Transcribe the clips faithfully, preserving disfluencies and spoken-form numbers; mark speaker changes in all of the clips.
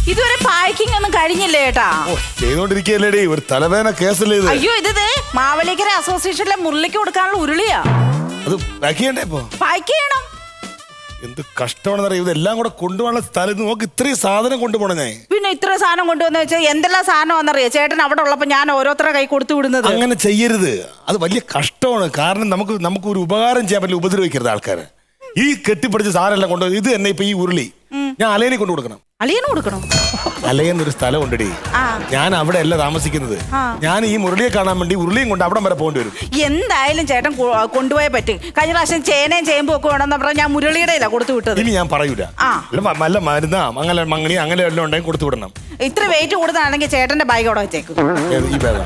Speaker 1: ഇതുവരെ പാക്കിംഗ് ഒന്നും കഴിഞ്ഞില്ലേ ചേട്ടാ?
Speaker 2: ചെയ്തോണ്ടിരിക്കല്ലേടി, ഒരു തലവേദന കേസല്ലേ ഇത്.
Speaker 1: അയ്യോ ഇത് മാവേലിക്കര അസോസിയേഷനിലെ മുരളിക്ക് കൊടുക്കാനുള്ള ഉരുളിയാ.
Speaker 2: അത് പാക്ക് ചെയ്യണ്ടേ ഇപ്പൊ?
Speaker 1: പാക്ക് ചെയ്യണം.
Speaker 2: എന്ത് കഷ്ടമാണെന്നറിയാം, ഇതെല്ലാം കൂടെ കൊണ്ടുപോകാനുള്ള സ്ഥലത്ത് നോക്ക്, ഇത്രയും സാധനം കൊണ്ടുപോകണേ ഞാൻ.
Speaker 1: പിന്നെ ഇത്ര സാധനം കൊണ്ടുവന്ന് വെച്ചാൽ എന്തെല്ലാം സാധനമാണെന്നറിയാം ചേട്ടൻ അവിടെ ഉള്ളപ്പോ ഞാൻ ഓരോരുത്തരുടെ കൈ കൊടുത്തു വിടുന്നത്.
Speaker 2: അങ്ങനെ ചെയ്യരുത്, അത് വലിയ കഷ്ടമാണ്. കാരണം നമുക്ക് നമുക്ക് ഒരു ഉപകാരം ചെയ്യാൻ പറ്റില്ല, ഉപദ്രവിക്കരുത് ആൾക്കാരെ. ഈ കെട്ടിപ്പിടിച്ച സാധനം എല്ലാം കൊണ്ടുപോയി ഇത് തന്നെ ഇപ്പൊ ഈ ഉരുളി ഞാൻ അലയനെ കൊണ്ടു കൊടുക്കണം.
Speaker 1: അളിയന് കൊടുക്കണം.
Speaker 2: അലയെന്നൊരു സ്ഥലം ഉണ്ടടി, ഞാൻ അവിടെ അല്ല താമസിക്കുന്നത്. ഞാൻ ഈ മുരളിയെ കാണാൻ വേണ്ടി ഉരുളിയും കൊണ്ട് അവിടം വരെ പോകേണ്ടി വരും.
Speaker 1: എന്തായാലും ചേട്ടൻ കൊണ്ടുപോയേ പറ്റും. കഴിഞ്ഞ പ്രാവശ്യം ചേനയും ചേമ്പും ഒക്കെ വേണമെന്ന് പറഞ്ഞാൽ ഞാൻ മുരളിയുടെ ഇല്ല കൊടുത്തു വിട്ടത്.
Speaker 2: ഇനി ഞാൻ പറയൂല. നല്ല മരുന്നാ അങ്ങനെ മങ്ങണി അങ്ങനെ എല്ലാം ഉണ്ടെങ്കിൽ കൊടുത്തു വിടണം.
Speaker 1: ഇത്ര വെയിറ്റ് കൂടുതലാണെങ്കിൽ ചേട്ടന്റെ ബാഗ് അവിടെ വെച്ചേക്കും.
Speaker 2: ഈ ബാഗ്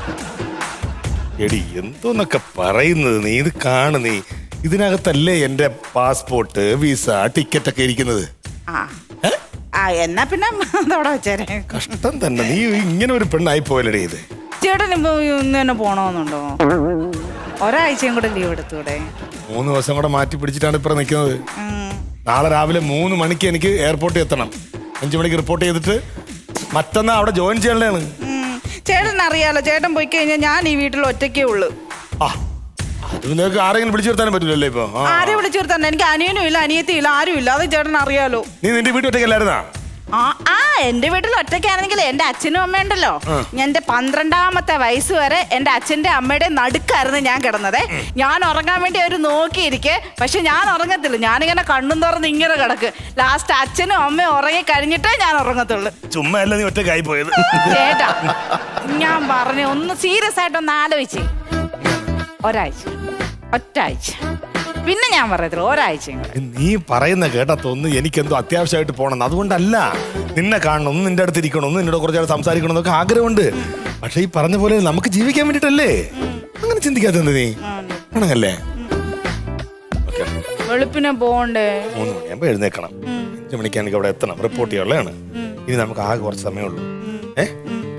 Speaker 2: എടി എന്തോന്നൊക്കെ പറയുന്നത് നീ, ഇത് കാണു നീ. ഇതിനകത്തല്ലേ എന്റെ പാസ്പോർട്ട്, വിസ, ടിക്കറ്റ് ഒക്കെ ഇരിക്കുന്നത്.
Speaker 1: ആ എന്നാ പിന്നെ അതവിടെ വെച്ചേരെ.
Speaker 2: കഷ്ടം തന്നെ, നീ ഇങ്ങനെ ഒരു പെണ്ണായി പോയല്ലേ ഇത്.
Speaker 1: ചേട്ടൻ ഇപ്പൊ ഇന്ന് തന്നെ പോണോന്നുണ്ടോ? ഒരാഴ്ചയും കൂടെ ലീവ് എടുത്തൂടെ?
Speaker 2: മൂന്ന് ദിവസം കൂടെ മാറ്റി പിടിച്ചിട്ടാണ് ഇപ്പൊ നിൽക്കുന്നത്. നാളെ രാവിലെ മൂന്ന് മണിക്ക് എനിക്ക് എയർപോർട്ടിൽ എത്തണം. അഞ്ചു മണിക്ക് റിപ്പോർട്ട് ചെയ്തിട്ട് മറ്റന്നാ അവിടെ ജോയിൻ ചെയ്യണതാണ്.
Speaker 1: ചേട്ടൻ അറിയാലോ, ചേട്ടൻ പോയി കഴിഞ്ഞാൽ ഞാൻ ഈ വീട്ടിൽ ഒറ്റയ്ക്കേ ഉള്ളു.
Speaker 2: ആ അത് നിങ്ങൾക്ക് ആരെങ്കിലും വിളിച്ചു വരുത്താനും പറ്റില്ലല്ലേ ഇപ്പൊ?
Speaker 1: ആരെ വിളിച്ചു വരുത്താൻ? എനിക്ക് അനിയനും ഇല്ല അനിയത്തിയും ഇല്ല, ആരും ഇല്ല. അത് ചേട്ടൻ അറിയാലോ.
Speaker 2: നീ നിന്റെ വീട്ടിൽ ഒറ്റയ്ക്കല്ലായിരുന്നാ?
Speaker 1: ആ ആ എന്റെ വീട്ടിൽ ഒറ്റയ്ക്കാണെങ്കിൽ എന്റെ അച്ഛനും അമ്മയുണ്ടല്ലോ. എന്റെ പന്ത്രണ്ടാമത്തെ വയസ്സ് വരെ എന്റെ അച്ഛന്റെ അമ്മയുടെ നടുക്കായിരുന്നു ഞാൻ കിടന്നത്. ഞാൻ ഉറങ്ങാൻ വേണ്ടി അവർ നോക്കിയിരിക്കെ, പക്ഷെ ഞാൻ ഉറങ്ങത്തില്ല. ഞാനിങ്ങനെ കണ്ണും തുറന്ന് ഇങ്ങനെ കിടക്ക്. ലാസ്റ്റ് അച്ഛനും അമ്മയും ഉറങ്ങി കഴിഞ്ഞിട്ടേ ഞാൻ ഉറങ്ങത്തുള്ളൂ.
Speaker 2: ചുമ്മാ അല്ല നീ ഒറ്റയ്ക്കായി പോയത്.
Speaker 1: ചേട്ടാ ഞാൻ പറഞ്ഞു, ഒന്ന് സീരിയസ് ആയിട്ടൊന്ന് ആലോചിച്ച്. ഒരാഴ്ച ഒറ്റാഴ്ച പിന്നെ ഞാൻ പറയത്തില്ല, ഒരാഴ്ച.
Speaker 2: നീ പറയുന്ന കേട്ടാ തോന്നുന്നു എനിക്കെന്തോ അത്യാവശ്യമായിട്ട് പോകണം. അതുകൊണ്ടല്ല, നിന്നെ കാണണം, ഒന്ന് നിന്റെ അടുത്ത് ഇരിക്കണം, ഒന്ന് നിന്നോട് കുറച്ചാൾ സംസാരിക്കണം എന്നൊക്കെ ആഗ്രഹമുണ്ട്. പക്ഷെ ഈ പറഞ്ഞ പോലെ നമുക്ക് ജീവിക്കാൻ വേണ്ടിട്ടല്ലേ. അങ്ങനെ ചിന്തിക്കാത്തത് നീ ആണല്ലേ?
Speaker 1: വെളുപ്പിനെ പോണ്ടേ?
Speaker 2: മൂന്ന് മണിയാകുമ്പോ എഴുന്നേക്കണം. അഞ്ചു മണിക്കാണെങ്കിൽ അവിടെ എത്തണം, റിപ്പോർട്ട് ചെയ്യാനുള്ളതാണ്. ഇനി നമുക്ക് ആകെ കുറച്ച് സമയമുള്ളൂ. ഏഹ്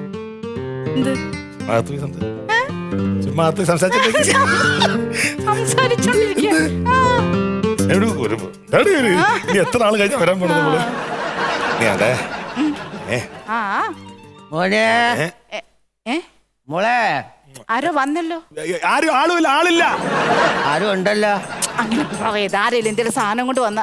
Speaker 2: ചുമ്മാ സംസാരിച്ചിട്ട് എത്ര ആള് കഴിഞ്ഞ വരാൻ പോണത് നമ്മള്? നീ അതെ
Speaker 3: മോളെ
Speaker 1: ആരോ വന്നല്ലോ.
Speaker 2: ആരും ആളുമില്ല, ആളില്ല,
Speaker 3: ആരും ഉണ്ടല്ലോ.
Speaker 1: ആരെങ്കിലും എന്തെങ്കിലും സാധനം കൊണ്ട് വന്ന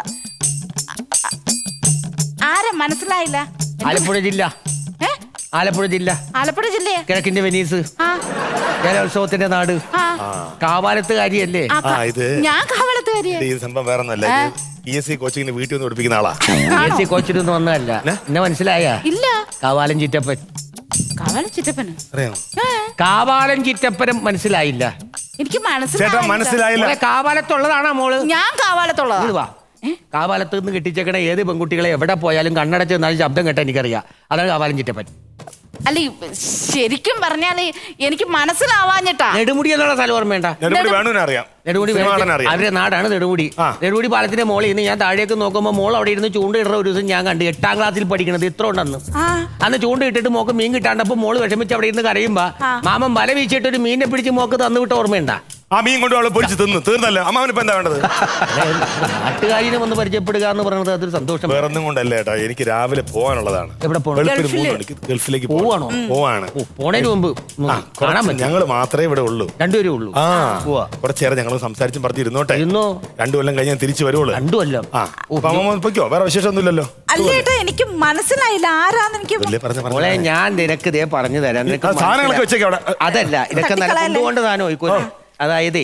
Speaker 1: ആരാ മനസ്സിലായില്ല?
Speaker 3: ആലപ്പുഴ ജില്ല. ആലപ്പുഴ ജില്ല.
Speaker 1: ആലപ്പുഴ ജില്ലയാ?
Speaker 3: കിഴക്കിന്റെ വെനീസ്, കേരളോത്സവത്തിന്റെ നാട്. കാവാലത്തുകാരിയല്ലേ?
Speaker 1: ഞാൻ കാവാലത്തുകാരിയാ.
Speaker 2: ഈ സംഭവം വേറെ ഒന്നല്ല, പി എസ് സി കോച്ചിങ്ങിന് വീട്ടിൽ നിന്ന് പഠിപ്പിക്കുന്ന ആളാ.
Speaker 3: പി എസ് സി കോച്ചിനൊന്നും വന്നതല്ല. എന്നെ മനസ്സിലായ?
Speaker 1: ഇല്ല.
Speaker 3: കാവാലൻ ചിറ്റപ്പൻ.
Speaker 1: കാവാലൻ ചിറ്റപ്പന്
Speaker 2: അറിയാമോ?
Speaker 3: കാവാലൻ ചിറ്റപ്പനും മനസ്സിലായില്ല?
Speaker 1: എനിക്ക്
Speaker 2: മനസ്സിലായില്ല.
Speaker 3: കാവാലത്തുള്ളതാണോ മോള്?
Speaker 1: ഞാൻ കാവാലത്തുള്ളതാ.
Speaker 3: കാവാലത്ത് നിന്ന് കെട്ടിച്ചേക്കണ ഏത് പെൺകുട്ടികളെ എവിടെ പോയാലും കണ്ണടച്ച് എന്നാലും ശബ്ദം കേട്ടാ എനിക്കറിയാം. അതാണ് കാവാലൻ ചിറ്റപ്പൻ.
Speaker 1: അല്ല ശരിക്കും പറഞ്ഞാല് എനിക്ക് മനസ്സിലാവാഞ്ഞിട്ടാ.
Speaker 3: നെടുമുടി എന്നുള്ള സ്ഥലം ഓർമ്മേണ്ട? നെടുമുടി അവരുടെ നാടാണ് നെടുമുടി. നെടുമുടി പാലത്തിന്റെ മോളിൽ നിന്ന് ഞാൻ താഴേക്ക് നോക്കുമ്പോൾ മോൾ അവിടെ ഇരുന്ന് ചൂണ്ടയിടുന്ന ഒരു ദിവസം ഞാൻ കണ്ടു. എട്ടാം ക്ലാസ്സിൽ പഠിക്കണത് ഇത്ര ഉണ്ടെന്ന്. അന്ന് ചൂണ്ടയിട്ടിട്ട് മോക്ക് മീൻ കിട്ടാണ്ടപ്പോ മോള് വിഷമിച്ച് അവിടെ ഇരുന്ന് കരയുമ്പോ മാമൻ വല വീശിട്ട് ഒരു മീനെ പിടിച്ച് മോക്ക് തന്നു വിട്ട ഓർമ്മയുണ്ടാ?
Speaker 2: ആ മീൻ കൊണ്ട് അവളെ പൊരിച്ച് തിന്നു തീർന്നല്ലോ. അമ്മാവനിപ്പോ എന്താ വേണ്ടത്?
Speaker 3: നാട്ടുകാരിനെ ഒന്ന് പരിചയപ്പെടുക എന്ന് പറയുന്നത് അതൊരു സന്തോഷം.
Speaker 2: വേറെ ഒന്നും കൊണ്ടല്ലേ ഏട്ടാ, എനിക്ക് രാവിലെ പോകാനുള്ളതാണ്.
Speaker 3: എവിടെ പോകണം?
Speaker 2: ഗൾഫിലേക്ക്
Speaker 3: പോവാണോ?
Speaker 2: പോവാണ്.
Speaker 3: പോണേന് മുമ്പ് കാണാൻ പറ്റും.
Speaker 2: ഞങ്ങള് മാത്രമേ ഇവിടെ ഉള്ളൂ,
Speaker 3: രണ്ടുപേരേ ഉള്ളൂ.
Speaker 2: ആ കുറച്ചേരം ഞങ്ങൾ സംസാരിച്ചും പറഞ്ഞിരുന്നോട്ടെ. രണ്ടു കൊല്ലം കഴിഞ്ഞാൽ തിരിച്ചു വരുവുള്ളൂ.
Speaker 3: രണ്ടു കൊല്ലം?
Speaker 2: ആ പൊയ്ക്കോ, വേറെ വിശേഷം ഒന്നുമില്ലല്ലോ.
Speaker 1: അല്ലേട്ടാ എനിക്ക് മനസ്സിലായില്ല ആരാന്ന്. എനിക്ക്
Speaker 3: ഞാൻ നിനക്ക് ഇതേ പറഞ്ഞു തരാം.
Speaker 2: സാധനങ്ങളൊക്കെ വെച്ചേക്കാം അവിടെ.
Speaker 3: അതല്ല, ഇതൊക്കെ നല്ല കൊണ്ടുകൊണ്ട് താനോ പോയിക്കോ. അതായത്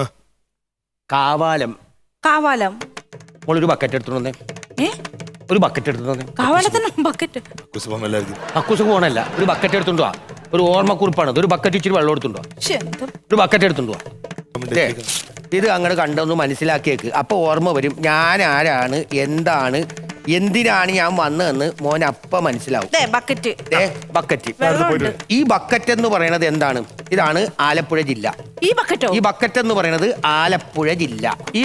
Speaker 3: കാവാലം.
Speaker 1: കാവാലം
Speaker 3: മോളൊരു ബക്കറ്റ് എടുത്തോണ്ടേ. ഒരു ബക്കറ്റ് എടുത്തോണ്ടേ.
Speaker 1: കാവാലത്തിന് ബക്കറ്റ്
Speaker 3: കക്കൂസ് പോകണല്ല, ഒരു ബക്കറ്റ് എടുത്തോണ്ടോ. ഒരു ഓർമ്മക്കുറിപ്പാണ്. ഒരു ബക്കറ്റ് ഇച്ചിരി വെള്ളം എടുത്തോണ്ടോ. ഒരു ബക്കറ്റ് എടുത്തോണ്ടോ. ഇത് അങ്ങോട്ട് കണ്ടൊന്ന് മനസ്സിലാക്കിയേക്ക്. അപ്പൊ ഓർമ്മ വരും ഞാൻ ആരാണ്, എന്താണ്, എന്തിനാണ് ഞാൻ വന്നതെന്ന് മോൻ അപ്പ മനസ്സിലാവും.
Speaker 1: ബക്കറ്റ്
Speaker 3: ബക്കറ്റ് ഈ ബക്കറ്റ് എന്ന് പറയുന്നത് എന്താണ്? ഇതാണ് ആലപ്പുഴ ജില്ല.
Speaker 1: ഈ ബക്കറ്റോ? ഈ
Speaker 3: ബക്കറ്റ് എന്ന് പറയുന്നത് ആലപ്പുഴ ജില്ല. ഈ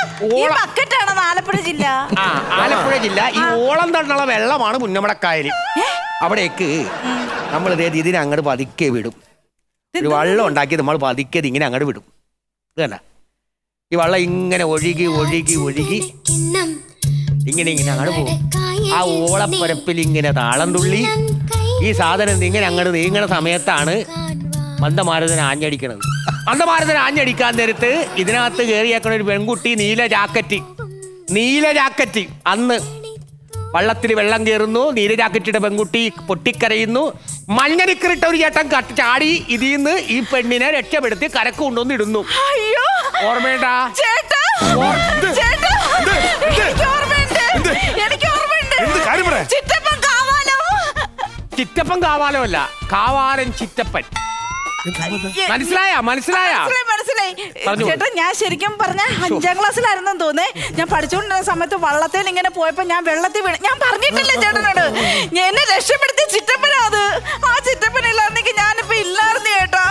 Speaker 1: ആലപ്പുഴ ജില്ല.
Speaker 3: ആ ആലപ്പുഴ ജില്ല. ഈ ഓളം തണ്ടുള്ള വെള്ളമാണ് പുന്നമടക്കായൽ. അവിടേക്ക് നമ്മൾ ഇതേ ഇതിനെ അങ്ങോട്ട് പതുക്കെ വിടും. ഒരു വെള്ളം ഉണ്ടാക്കി നമ്മൾ പതുക്കെ ഇങ്ങനെ അങ്ങോട്ട് വിടും. ഇത് കണ്ട, ഈ വെള്ളം ഇങ്ങനെ ഒഴുകി ഒഴുകി ഒഴുകി ഇങ്ങനെ ഇങ്ങനെ അങ്ങോട്ട് പോകും. ആ ഓളപ്പരപ്പിൽ ഇങ്ങനെ താളം തുള്ളി ഈ സാധനം ഇങ്ങനെ അങ്ങോട്ട് നീങ്ങണ സമയത്താണ് മന്ദമാരുതൻ ആഞ്ഞടിക്കണത്. മന്ദമാരുതൻ ആഞ്ഞടിക്കാൻ നേരത്ത് ഇതിനകത്ത് കയറിയേക്കണ ഒരു പെൺകുട്ടി നീല ജാക്കറ്റ് നീല ജാക്കറ്റ് അന്ന് വള്ളത്തിൽ വെള്ളം കയറുന്നു. നീല ജാക്കറ്റിയുടെ പെൺകുട്ടി പൊട്ടിക്കരയുന്നു. മഞ്ഞനിക്കറിട്ട ഒരു ചേട്ടൻ കട്ട് ചാടി ഇതിന്ന് ഈ പെണ്ണിനെ രക്ഷപ്പെടുത്തി കരക്ക് കൊണ്ടുവന്ന് ഇടുന്നു.
Speaker 1: അയ്യോ
Speaker 3: ഓർമ്മേണ്ടാ
Speaker 1: ചേട്ടാ, ചേട്ടാ, എനിക്ക് ഓർമ്മയുണ്ട്, എനിക്ക് ഓർമ്മയുണ്ട്. ചിറ്റപ്പൻ കാവാലോ.
Speaker 3: ചിറ്റപ്പൻ കാവാലോ അല്ല, കാവാലൻ ചിറ്റപ്പൻ. മനസ്സിലായ മനസ്സിലായ
Speaker 1: മനസ്സിലായി ചേട്ടാ. ഞാൻ ശരിക്കും പറഞ്ഞ അഞ്ചാം ക്ലാസ്സിലായിരുന്നു തോന്നേ. ഞാൻ പഠിച്ചുകൊണ്ടിരുന്ന സമയത്ത് വള്ളത്തിൽ ഇങ്ങനെ പോയപ്പോ ഞാൻ വെള്ളത്തിൽ വീണ്. ഞാൻ പറഞ്ഞിട്ടില്ലേ ചേട്ടനോട്, എന്നെ രക്ഷപ്പെടുത്തിയ ചിറ്റപ്പനാ അത്. ആ ചിറ്റപ്പനില്ലായിരുന്നെങ്കിൽ ഞാനിപ്പോ ഇല്ലായിരുന്നു ചേട്ടാ.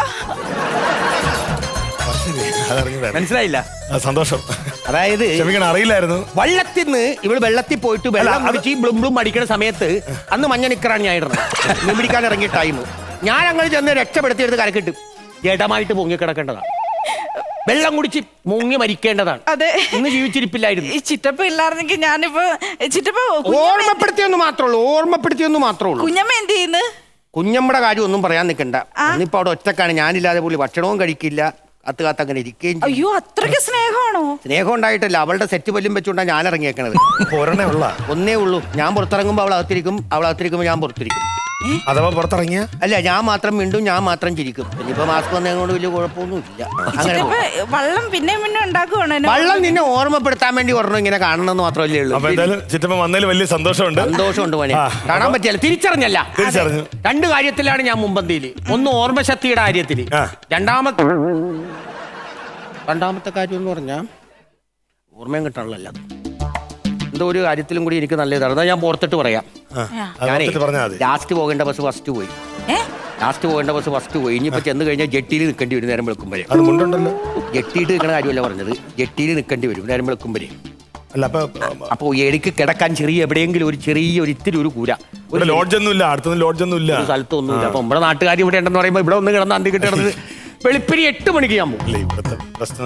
Speaker 3: മനസ്സിലായില്ല?
Speaker 2: സന്തോഷം.
Speaker 3: അതായത്
Speaker 2: അറിയില്ലായിരുന്നു.
Speaker 3: വള്ളത്തിൽ നിന്ന് ഇവള് വെള്ളത്തിൽ പോയിട്ട് വെള്ളം അടിച്ച് ബ്ലും ബ്ലും അടിക്കുന്ന സമയത്ത് അന്ന് മഞ്ഞ നിക്കറാണ് ഞാൻ ഇടുന്നത്. മീൻ പിടിക്കാൻ ഇറങ്ങിയ ടൈം ഞാൻ അങ്ങനെ ചെന്ന് രക്ഷപ്പെടുത്തിയെടുത്ത് കരക്കിട്ട് ജഡമായിട്ട് പൊങ്ങി കിടക്കേണ്ടതാണ്. വെള്ളം കുടിച്ച് മുങ്ങി മരിക്കേണ്ടതാണ്.
Speaker 1: അതെ,
Speaker 3: ഇന്ന് ജീവിച്ചിരിപ്പില്ലായിരുന്നു.
Speaker 1: ഈ ചിറ്റപ്പ ഇല്ലായിരുന്നെങ്കിൽ ഞാനിപ്പോ ചിറ്റപ്പ
Speaker 3: ഓർമ്മപ്പെടുത്തിയൊന്നും മാത്രമേ ഉള്ളൂ ഓർമ്മപ്പെടുത്തിയൊന്നും മാത്രമേ ഉള്ളൂ.
Speaker 1: കുഞ്ഞമ്മ എന്ത് ചെയ്യുന്നു?
Speaker 3: കുഞ്ഞമ്മയുടെ കാര്യം ഒന്നും പറയാൻ നിൽക്കണ്ട. ഇന്നിപ്പോ അവിടെ ഒറ്റക്കാണ്. ഞാനില്ലാതെ പുള്ളി ഭക്ഷണവും കഴിക്കില്ല, കത്ത് കാത്ത് അങ്ങനെ ഇരിക്കുകയും.
Speaker 1: അയ്യോ, അത്രയ്ക്ക് സ്നേഹമാണോ?
Speaker 3: സ്നേഹം ഉണ്ടായിട്ടല്ല, അവളുടെ സെറ്റ് പല്ലും വെച്ചുകൊണ്ടാണ് ഞാൻ ഇറങ്ങിയേക്കണത്. ഒന്നേ ഉള്ളൂ. ഞാൻ പുറത്തിറങ്ങുമ്പോൾ അവൾ അകത്തിരിക്കും, അവൾ അകത്തിരിക്കുമ്പോൾ ഞാൻ പുറത്തിരിക്കും.
Speaker 2: അഥവാ പുറത്തിറങ്ങിയ
Speaker 3: അല്ല, ഞാൻ മാത്രം മിണ്ടും, ഞാൻ മാത്രം ചിരിക്കും. ഇനിയിപ്പോ മാസ്ക് വന്നതുകൊണ്ട് വലിയ കുഴപ്പമൊന്നും ഇല്ല. അങ്ങനെ
Speaker 1: വള്ളം പിന്നെ പിന്നെ ഉണ്ടാക്കുവാണോ?
Speaker 3: വള്ളം നിന്നെ ഓർമ്മപ്പെടുത്താൻ വേണ്ടി പറഞ്ഞു ഇങ്ങനെ കാണണമെന്ന് മാത്രമല്ലേ ഉള്ളൂ.
Speaker 2: ചിറ്റപ്പൻ വന്നതിൽ വലിയ സന്തോഷമുണ്ട്.
Speaker 3: സന്തോഷമുണ്ട് മോനെ. കാണാൻ പറ്റിയല്ല, തിരിച്ചറിഞ്ഞല്ല.
Speaker 2: തിരിച്ചറിഞ്ഞു.
Speaker 3: രണ്ട് കാര്യത്തിലാണ് ഞാൻ മുമ്പന്തിയില്. ഒന്ന് ഓർമ്മശക്തിയുടെ കാര്യത്തില്. രണ്ടാമത്തെ രണ്ടാമത്തെ കാര്യം എന്ന് പറഞ്ഞാൽ ഓർമ്മയും കിട്ടാനുള്ളല്ല. എന്തോ ഒരു കാര്യത്തിലും കൂടി എനിക്ക് നല്ല ഇതാണ്. അതാ ഞാൻ പുറത്തിട്ട് പറയാം. ഞാനേ ലാസ്റ്റ് പോകേണ്ട ബസ് ഫസ്റ്റ് പോയി. ലാസ്റ്റ് പോകേണ്ട ബസ് ഫസ്റ്റ് പോയി. ഇനിയിപ്പോ ചെന്ന് കഴിഞ്ഞാൽ ജെട്ടിയിൽ നിൽക്കേണ്ടി വരും നേരം വെളുക്കുമ്പോഴേ. ജെട്ടിയിട്ട് നിൽക്കണ കാര്യമല്ല പറഞ്ഞത്, ജെട്ടിയിൽ നിൽക്കേണ്ടി വരും നേരം വെളുക്കുമ്പോഴേ. അപ്പൊ എനിക്ക് കിടക്കാൻ ചെറിയ എവിടെയെങ്കിലും ഒരു ചെറിയ ഒരു ഇത്തിരി ഒരു കൂര,
Speaker 2: ഒരു ലോഡ്ജൊന്നുമില്ല, അടുത്തൊന്നും ലോഡ്ജൊന്നുമില്ല,
Speaker 3: സ്ഥലത്തൊന്നുമില്ല. അപ്പൊ നമ്മുടെ നാട്ടുകാർ ഇവിടെ ഉണ്ടെന്ന് പറയുമ്പോൾ ഇവിടെ ഒന്ന് കിടന്ന് അന്തി കിട്ടുന്നത് വെളുപ്പിന് എട്ട് മണിക്ക് ഞാൻ പോകും.
Speaker 2: ഇവിടുത്തെ പ്രശ്നം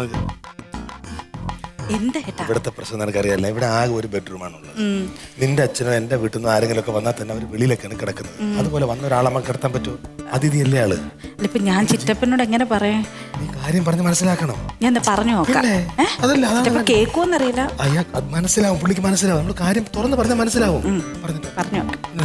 Speaker 2: ഇവിടുത്തെ പ്രശ്നം നിനക്കറിയാല്ല. ഇവിടെ ആകെ ഒരു ബെഡ്റൂം ആണുള്ളത്. നിന്റെ അച്ഛനോ എന്റെ വീട്ടിൽ നിന്ന് ആരെങ്കിലും ഒക്കെ വന്നാൽ തന്നെ അവർ വെളിയിലൊക്കെയാണ് കിടക്കുന്നത്. അതുപോലെ വന്ന ഒരാളമ്മ കിടത്താൻ പറ്റുമോ? അതിഥിയല്ലേ ആള്.
Speaker 1: ഇപ്പൊ ഞാൻ ചിറ്റപ്പനോട് എങ്ങനെ പറയാ?
Speaker 2: നീ കാര്യം പറഞ്ഞ് മനസ്സിലാക്കണം.
Speaker 1: ഞാൻ പറഞ്ഞു നോക്കാം. കേൾക്കുമെന്നറിയില്ല.
Speaker 2: അയ്യാ, മനസ്സിലാവും, പുള്ളിക്ക് മനസ്സിലാവും. നമ്മൾ കാര്യം തുറന്ന് പറഞ്ഞാൽ മനസ്സിലാവും.
Speaker 1: പറഞ്ഞു പറഞ്ഞു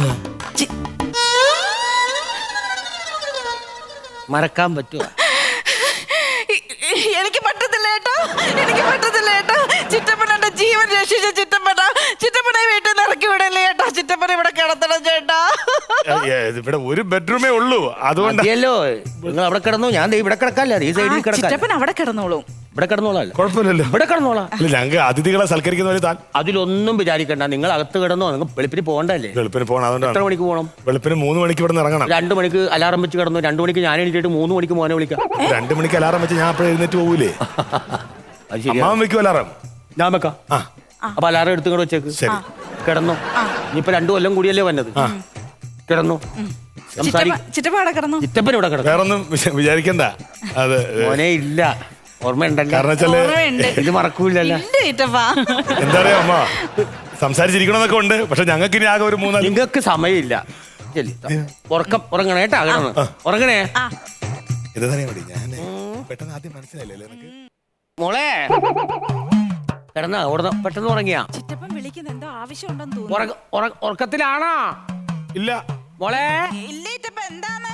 Speaker 3: മറക്കാൻ പറ്റുമോ?
Speaker 1: എനിക്ക് പറ്റത്തില്ല ഏട്ടാ, എനിക്ക് പറ്റത്തില്ല ഏട്ടാ. ചിറ്റപ്പനെ ജീവൻ രക്ഷിച്ച ചിറ്റപ്പന ചിറ്റപ്പനെ വീട്ടിൽ നിന്ന് ഇറക്കി വിടല്ലേ ഏട്ടാ. ചിറ്റപ്പന ഇവിടെ കിടത്തണം ചേട്ടാ.
Speaker 2: ഇവിടെ ഒരു ബെഡ്റൂമേ ഉള്ളൂ, അതുകൊണ്ടല്ലോ
Speaker 3: നിങ്ങൾ അവിടെ കിടന്നു. ഞാൻ ഇവിടെ കിടക്കാല്ല, ഈ സൈഡിൽ കിടക്കാം.
Speaker 1: ചിറ്റപ്പൻ അവിടെ കിടന്നോളും.
Speaker 3: ഇവിടെ കിടന്നോളാം,
Speaker 2: കുഴപ്പമില്ലല്ലോ.
Speaker 3: ഇവിടെ കിടന്നോളാം.
Speaker 2: ഞങ്ങൾക്ക് അതിഥികളെ സൽക്കരിക്കുന്ന താൻ
Speaker 3: അതിലൊന്നും വിചാരിക്കണ്ട. നിങ്ങൾ അകത്ത് കിടന്നോ, നിങ്ങൾ വെളുപ്പിന് പോകണ്ടല്ലേ?
Speaker 2: വെളുപ്പിന് പോകണം. അതുകൊണ്ട്
Speaker 3: എത്ര മണിക്ക് പോകണം?
Speaker 2: വെളുപ്പിന് മൂന്ന് മണിക്ക് ഇവിടെ നിന്ന് ഇറങ്ങണം.
Speaker 3: രണ്ടു മണിക്ക് അലാറം വെച്ച് കിടന്നു. രണ്ടു മണിക്ക് ഞാൻ എണീറ്റിട്ട് മൂന്ന് മണിക്ക് മോനെ വിളിക്കാം.
Speaker 2: രണ്ടു മണിക്ക് അലാറം വെച്ച് ഞാൻ അപ്പോഴും എഴുന്നേറ്റ് പോകൂലേ? അമ്മാവൻ വെക്കും അലാറം, ഞാൻ വെക്കാം.
Speaker 3: അപ്പൊ അലാറം എടുത്തുകൊണ്ട് വെച്ചേക്ക്. കിടന്നു. ഇനിയിപ്പൊ രണ്ടു കൊല്ലം കൂടിയല്ലേ വന്നത്. കിടന്നു. ചിറ്റപ്പൻ ഇവിടെ കിടന്നു.
Speaker 2: വേറൊന്നും വിചാരിക്കണ്ട. അത്
Speaker 3: മോനെ ഇല്ല, ഓർമ്മയുണ്ടല്ലോ. ഇത് മറക്കൂലല്ലോ.
Speaker 2: എന്താ പറയാ അമ്മ, സംസാരിച്ചിരിക്കണമെന്നൊക്കെ ഉണ്ട്. പക്ഷെ ഞങ്ങൾക്ക് ഇനി ആകെ ഒരു മൂന്നാല്.
Speaker 3: നിങ്ങൾക്ക് സമയമില്ല. ഉറക്കം ഉറങ്ങണേ കേട്ടാ. ഉറങ്ങണേ.
Speaker 2: ഞാൻ പെട്ടെന്ന് ആദ്യം മനസ്സിലായില്ലേ
Speaker 3: മോളെ? കിടന്നാ ഓടുന്ന പെട്ടെന്ന് ഉറങ്ങിയാ?
Speaker 1: ചിറ്റപ്പൻ വിളിക്കുന്ന എന്തോ ആവശ്യമുണ്ടെന്ന് തോന്നുന്നു.
Speaker 3: ഉറക്കത്തിലാണോ?
Speaker 2: ഇല്ല
Speaker 1: മോളെ. ഇല്ല ചിറ്റപ്പ, എന്താണ്?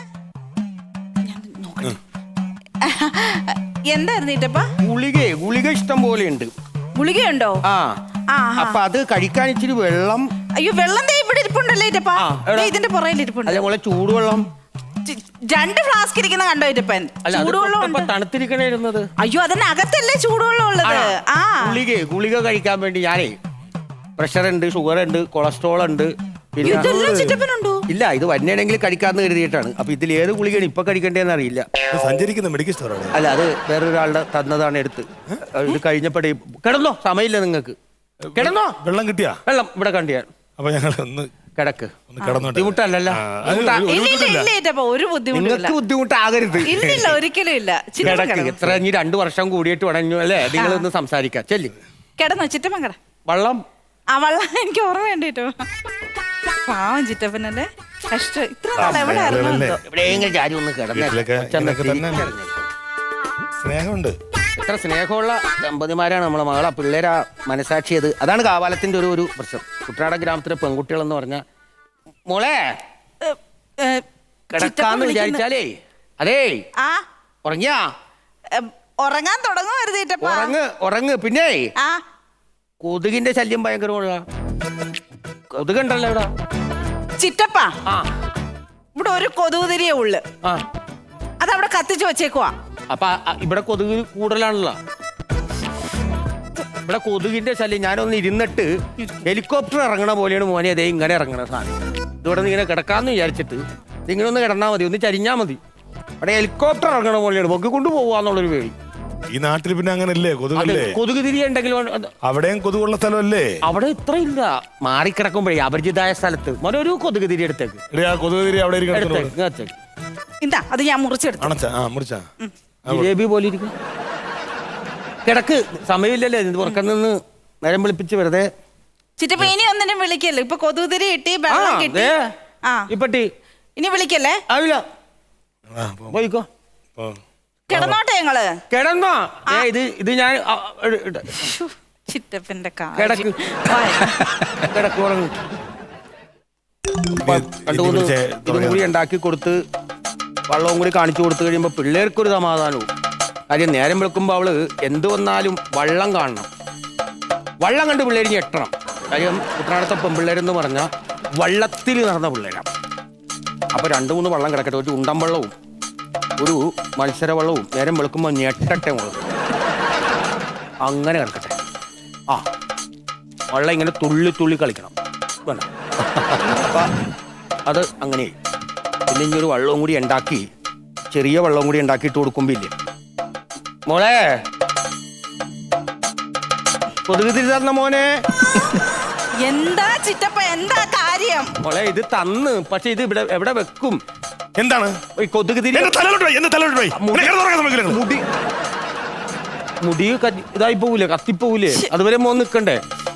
Speaker 1: എന്തായിരുന്നു ചിറ്റപ്പ?
Speaker 3: ഗുളിക ഗുളിക ഇഷ്ടം പോലെ ഉണ്ട്.
Speaker 1: ഗുളികയുണ്ടോ?
Speaker 3: ആ, അപ്പൊ അത് കഴിക്കാൻ ഇച്ചിരി വെള്ളം.
Speaker 1: അയ്യോ, വെള്ളം ഇവിടെ ഇരിപ്പുണ്ടല്ലേ ചിറ്റപ്പ? ഇതിന്റെ പുറകിൽ ഇരിപ്പുണ്ട്.
Speaker 3: അല്ല മോളെ, ചൂടുവെള്ളം
Speaker 1: രണ്ട് ഫ്ലാസ്ക് ഇരിക്കുന്ന കണ്ടോ ചിറ്റപ്പൻ? ചൂടുവെള്ളം
Speaker 3: തണുത്തിരിക്കണേ ഇരുന്നത്.
Speaker 1: അയ്യോ, അതിനകത്തല്ലേ ചൂടുവെള്ളം ഉള്ളത്. ആ,
Speaker 3: ഗുളിക ഗുളിക കഴിക്കാൻ വേണ്ടി ഞാനേ പ്രഷർ ഉണ്ട്, ഷുഗർ ഉണ്ട്, കൊളസ്ട്രോൾ ഉണ്ട്. ഇല്ല, ഇത് വന്നെയാണെങ്കിൽ കഴിക്കാന്ന് കരുതിയിട്ടാണ്. അപ്പൊ ഇതിൽ ഏത് ഗുളികയാണ് ഇപ്പൊ കഴിക്കേണ്ടതെന്ന് അറിയില്ല.
Speaker 2: സഞ്ചരിക്കുന്ന മെഡിക്കൽ സ്റ്റോറാണ്.
Speaker 3: അല്ല, അത് വേറൊരാളുടെ തന്നതാണ് എടുത്ത്. ഇത് കഴിഞ്ഞപ്പോഴേ കിടന്നോ, സമയമില്ല നിങ്ങൾക്ക്. കിടന്നോ?
Speaker 2: വെള്ളം കിട്ടിയാ?
Speaker 3: വെള്ളം ഇവിടെ കണ്ടിയാ.
Speaker 2: അപ്പൊ ഞങ്ങൾ ഒന്ന്
Speaker 3: കിടക്ക്.
Speaker 2: ബുദ്ധിമുട്ടല്ലല്ലോ.
Speaker 3: നിങ്ങൾക്ക് ബുദ്ധിമുട്ടാകരുത്.
Speaker 1: ഇല്ല, ഒരിക്കലും ഇല്ല.
Speaker 3: കിടക്ക്. എത്ര ഇനി രണ്ടു വർഷം കൂടിയിട്ട് ഉടഞ്ഞു അല്ലേ? നിങ്ങളൊന്ന് സംസാരിക്കാം. ചെല്ലി
Speaker 1: കിടന്നോ ചിറ്റപ്പൻ? കിട.
Speaker 3: വള്ളം.
Speaker 1: ആ, വള്ളം എനിക്ക് ഓർമ്മ വേണ്ടിട്ടോ. പാവം ചിറ്റപ്പനല്ലേ കഷ്ടം. ഇത്ര നാൾ എവിടെ ആയിരുന്നു എന്തോ?
Speaker 3: എവിടെയെങ്കിലും ചാരി ഒന്ന്
Speaker 2: വീട്ടിലൊക്കെ ഇങ്ങനെയൊക്കെ തന്നെ
Speaker 3: കിടന്നു.
Speaker 2: സ്നേഹമുണ്ട്.
Speaker 3: എത്ര സ്നേഹമുള്ള ദമ്പതിമാരാണ് നമ്മളെ മകളെ പിള്ളേരാ മനസാക്ഷിയത്. അതാണ് കാവാലത്തിന്റെ ഒരു ഒരു പ്രശ്നം. കുട്ടനാട ഗ്രാമത്തിലെ പെൺകുട്ടികൾ എന്ന് പറഞ്ഞാൽ മോളെ
Speaker 1: ഏ, ഏ, ചിറ്റപ്പൻ
Speaker 3: കിടക്കാന്ന്
Speaker 1: വിളിക്കുന്നു.
Speaker 3: വിചാരിച്ചാലേ അതേ
Speaker 1: ആ
Speaker 3: ഉറങ്ങിയാ
Speaker 1: ഏ, ഉറങ്ങാൻ തുടങ്ങുവരുത് ചിറ്റപ്പ.
Speaker 3: ഉറങ്ങ് ഉറങ്ങ്. പിന്നെ
Speaker 1: ആ
Speaker 3: കൊതുകിന്റെ ശല്യം ഭയങ്കരമുള്ള കൊതുകുണ്ടല്ലോ ഇവിടെ.
Speaker 1: ചിറ്റപ്പ
Speaker 3: ആ
Speaker 1: ഇവിടെ ഒരു കൊതുകുതിരിയേ ഉള്ളു.
Speaker 3: ആ
Speaker 1: അതവിടെ കത്തിച്ച് വെച്ചേക്കുവാ.
Speaker 3: അപ്പൊ ആ- ഇവിടെ കൊതുക് കൂടുതലാണല്ലോ. ഇവിടെ കൊതുകിന്റെ ശല്യം. ഞാനൊന്ന് ഇരുന്നിട്ട് ഹെലികോപ്റ്റർ ഇറങ്ങണ പോലെയാണ് മോനെ അതേ ഇങ്ങനെ ഇറങ്ങണ സാധനം. ഇതോടെ ഇങ്ങനെ കിടക്കാന്ന് വിചാരിച്ചിട്ട് ഇങ്ങനെ ഒന്ന് കിടന്നാൽ മതി, ഒന്ന് ചരിഞ്ഞാൽ മതി. അവിടെ ഹെലികോപ്റ്റർ ഇറങ്ങണ പോലെയാണ് പൊക്കി കൊണ്ട് പോവാന്നുള്ളൊരു പേടി.
Speaker 2: ഈ നാട്ടിൽ പിന്നെ അങ്ങനല്ലേ?
Speaker 3: അത്
Speaker 2: കൊതുകല്ലേ?
Speaker 3: കൊതുക് തിരി ഉണ്ടെങ്കിലും അത്
Speaker 2: അവിടെയും കൊതുകുള്ള സ്ഥലമല്ലേ?
Speaker 3: അവിടെ ഇത്ര ഇല്ല. മാറിക്കിടക്കുമ്പോഴേ അപരിചിതമായ സ്ഥലത്ത് മോനൊരു കൊതുക് തിരി എടുത്തേക്ക്
Speaker 2: എടീ, ആ കൊതുക് തിരി അവിടെ ഇരിക്കണം.
Speaker 3: എടുത്തേക്ക് ഇങ്ങത്തേക്ക്.
Speaker 1: ഇതാ അത് ഞാൻ മുറിച്ചെടുത്തു.
Speaker 2: അണച്ച ആ മുറിച്ചാ
Speaker 3: ജിലേബി പോലെ ഇരിക്കും. കിടക്ക്. സമയമില്ലല്ലേ ഇത് പുറക്കാൻ നിന്ന് നേരം വിളിപ്പിച്ച് വെറുതെ.
Speaker 1: ചിറ്റപ്പ ഇനി ഒന്നിനും വിളിക്കല്ലോ. ഇപ്പൊ കൊതുകുതിരി കിട്ടി,
Speaker 3: ആ,
Speaker 1: വെള്ളം കിട്ടി.
Speaker 3: ദേ,
Speaker 1: ആ
Speaker 3: ഇപ്പട്ടി
Speaker 1: ഇനി വിളിക്കല്ലേ.
Speaker 3: ആവില്ല.
Speaker 2: ആ, പോ,
Speaker 3: പോയിക്കോ.
Speaker 2: പോ.
Speaker 1: കിടന്നോട്ടെ ഞങ്ങള്.
Speaker 3: കിടന്നോ? ഏ ഇത് ഇത് ഞാൻ ആ, ഇട്, ഇട്.
Speaker 1: ശ്ശോ, ചിറ്റപ്പന്റെ
Speaker 3: കിടക്ക്. കിടക്ക് ഉറങ്ങ്.
Speaker 2: ഇനി-
Speaker 3: രണ്ടു
Speaker 2: ഇനി
Speaker 3: മൂന്ന്
Speaker 2: വിളിച്ചേ
Speaker 3: ഇതും
Speaker 2: തുടങ്ങാം.
Speaker 3: കൂടി ഉണ്ടാക്കി കൊടുത്ത് വെള്ളവും കൂടി കാണിച്ചു കൊടുത്തു കഴിയുമ്പോൾ പിള്ളേർക്കൊരു സമാധാനവും. കാര്യം നേരം വെളുക്കുമ്പോൾ അവള് എന്ത് വന്നാലും വള്ളം കാണണം. വള്ളം കണ്ട് പിള്ളേർ ഞെട്ടണം. കാര്യം കുട്ടനാടത്തെ പെൺപിള്ളേരെന്ന് പറഞ്ഞാൽ വള്ളത്തിൽ നടന്ന പിള്ളേരാണ്. അപ്പൊ രണ്ടു മൂന്ന് വള്ളം കിടക്കട്ടെ, ഒരു ഉണ്ടൻ വെള്ളവും ഒരു മത്സര വെള്ളവും നേരം വെളുക്കുമ്പോൾ ഞെട്ടട്ടെ മുളക് അങ്ങനെ കിടക്കട്ടെ. ആ വള്ളം ഇങ്ങനെ തുള്ളി തുള്ളി കളിക്കണം. വേണ്ട അപ്പൊ അത് അങ്ങനെ. പിന്നെ ഇനി ഒരു വെള്ളവും കൂടി ഉണ്ടാക്കി, ചെറിയ വെള്ളവും കൂടി ഉണ്ടാക്കിയിട്ട് കൊടുക്കുമ്പോ ഇല്ലേ മോളെ കൊതുക് തിരി തന്ന മോനെ.
Speaker 1: എന്താ ചിറ്റപ്പ എന്താ കാര്യം?
Speaker 3: മോളെ ഇത് തന്ന്, പക്ഷെ ഇത് ഇവിടെ എവിടെ വെക്കും?
Speaker 2: എന്താണ്?
Speaker 3: ഈ കൊതുക് തിരി
Speaker 2: എന്റെ തലയിലോട്ട് പോയി, എന്റെ തലയിലോട്ട് പോയി.
Speaker 3: മുടി-
Speaker 2: എന്നെ കിടന്നുറങ്ങാൻ സമ്മതിക്കില്ല നിങ്ങൾ.
Speaker 3: മുടി മുടി കത്തി- ഇതായി പോവൂലേ, കത്തിപ്പോവൂലേ? അതുവരെ മോൻ നിക്കണ്ടേ?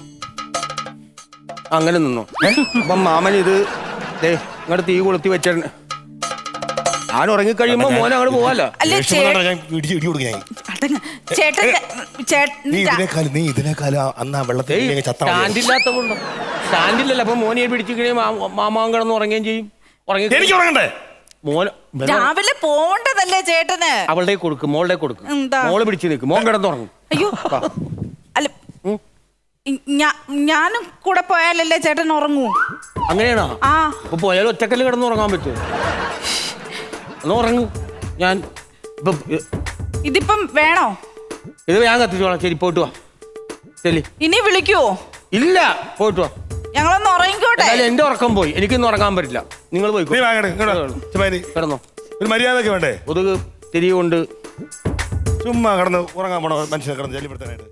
Speaker 3: അങ്ങനെ നിന്നോ. അപ്പം മാമൻ ഇത് ദേ ഇങ്ങോട്ട് തീ കൊളുത്തി വെച്ചിട്ടുണ്ട്. ഞാൻ ഉറങ്ങിക്കഴിയുമ്പോ മോൻ അങ്ങോട്ട് പോവാലോ.
Speaker 1: അല്ലേ
Speaker 2: ദേഷ്യം
Speaker 1: ചേ-
Speaker 2: വന്നാ ഞാൻ ഇടിച്ച് ഇടി കൊടുക്കും ഞാൻ.
Speaker 1: അടങ്ങ്. ചേട്ടൻ
Speaker 2: നീ
Speaker 1: ചേട്ടൻ
Speaker 2: ഇതിനേക്കാൾ നീ ഇതിനേക്കാൾ അന്ന് ആ വെള്ളത്തിൽ ഇങ്ങനെ ചത്താ മതി.
Speaker 3: സ്റ്റാൻഡില്ലാത്തതുകൊണ്ടോ? സ്റ്റാൻഡില്ലല്ലോ. അപ്പൊ മോനെ പിടിച്ചു കഴിയുമ്പോൾ മാമാൻ കിടന്ന് ഉറങ്ങുകയും ചെയ്യും. ഉറങ്ങി
Speaker 2: എനിക്ക് ഉറങ്ങണ്ടേ?
Speaker 3: മോൻ
Speaker 1: രാവിലെ പോണ്ടതല്ലേ ചേട്ടന്?
Speaker 3: അവളുടെ കൊടുക്കും, മോളുടെ കൊടുക്കും.
Speaker 1: എന്താ?
Speaker 3: മോള് പിടിച്ചു നിൽക്കും, മോൻ കിടന്നുറങ്ങും.
Speaker 1: അയ്യോ അല്ല
Speaker 3: ഉം.
Speaker 1: ഇ- ഞാ- ഞാനും കൂടെ പോയാലല്ലേ ചേട്ടൻ ഉറങ്ങൂ?
Speaker 3: അങ്ങനെയാണോ?
Speaker 1: ആ
Speaker 3: അപ്പൊ പോയാലും ഒറ്റക്കല്ല് കിടന്ന് ഉറങ്ങാൻ പറ്റുമോ? ഒന്ന് ഉറങ്ങും. ഞാൻ ഇപ്പൊ ഇ-
Speaker 1: ഇതിപ്പം വേണോ?
Speaker 3: ഇത് ഞാൻ കത്തിച്ചോളാം. ശരി പോയിട്ട് വാ. ശരി.
Speaker 1: ഇനി വിളിക്കുവോ?
Speaker 3: ഇല്ല, പോയിട്ട് വാ.
Speaker 1: ഞങ്ങളൊന്ന് ഉറങ്ങിക്കോട്ടെ.
Speaker 3: എന്നാലും എന്റെ ഉറക്കം പോയി, എനിക്കൊന്നും ഉറങ്ങാൻ പറ്റില്ല. നിങ്ങൾ
Speaker 2: നീ
Speaker 3: പോയിക്കോ.
Speaker 2: വാങ്ങണേ ഇങ്ങോട്ട്. ചുമ്മാരി.
Speaker 3: കിടന്നോ.
Speaker 2: ഒരു മര്യാദയൊക്കെ വേണ്ടേ?
Speaker 3: കൊതുക് തിരികൊണ്ട്
Speaker 2: ചുമ്മാ കിടന്ന് ഉറങ്ങാൻ പോണോ മനുഷ്യനെ കിടന്ന് ശല്യപ്പെടുത്താനായിട്ട്?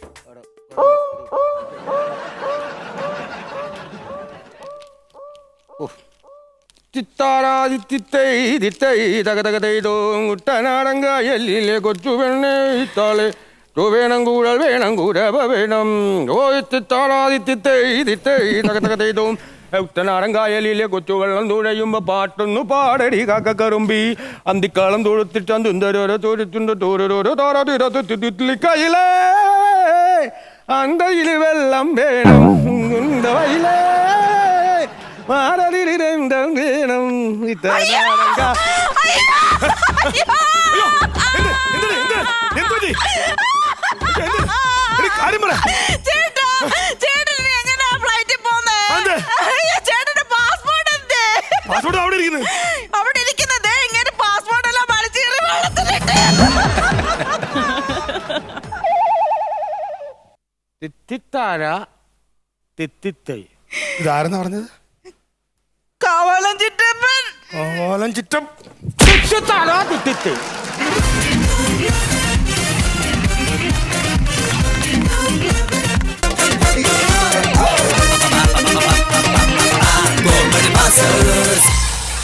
Speaker 3: കുട്ടനാടങ്കായല്ലിലെ കൊച്ചു പെണ്ണേ ഇത്താളെ വേണം കൂടൽ വേണം കൂടവ വേണം. ഓ തിത്താറാതിത്തിത്തൈതിത്തൈതകതകതൈതും കുട്ടനാടങ്കായലിലെ കൊച്ചു വെള്ളം തുഴയുമ്പോ പാട്ടൊന്നു പാടടി കാക്കക്കറുമ്പി അന്തിക്കാളം തൊഴുത്തിട്ടോരോ തൊഴുത്തുണ്ട് തോരോരോ താറാതിരത്തിലിക്കയിലേ അന്തയില് വെള്ളം വേണം വയിലേ മാറതിരന്തം വേണം ഇത്താടങ്ക.
Speaker 1: ചേട്ടാ, ചേട്ടൻ ഇനി എങ്ങനെയാ ഫ്ലൈറ്റിൽ പോകുന്നേ?
Speaker 2: അതെന്ത്?
Speaker 1: അയ്യോ, ചേട്ടന്റെ പാസ്പോർട്ട് എന്തേ?
Speaker 2: പാസ്പോർട്ട് അവിടെ ഇരിക്കുന്നു.
Speaker 1: അവിടെ ഇരിക്കുന്നത് ഇങ്ങനെ പാസ്പോർട്ട് എല്ലാം വലിച്ചേറി വെള്ളത്തിലിട്ട്.
Speaker 3: തിത്തിത്താര തിത്തിത്തൈ.
Speaker 2: ഇതാരെന്നാ പറഞ്ഞത്?
Speaker 1: കാവാലം ചിറ്റപ്പൻ.
Speaker 2: ഓലം ചിറ്റം.
Speaker 3: തിത്തിത്താര തിത്തിത്തൈ.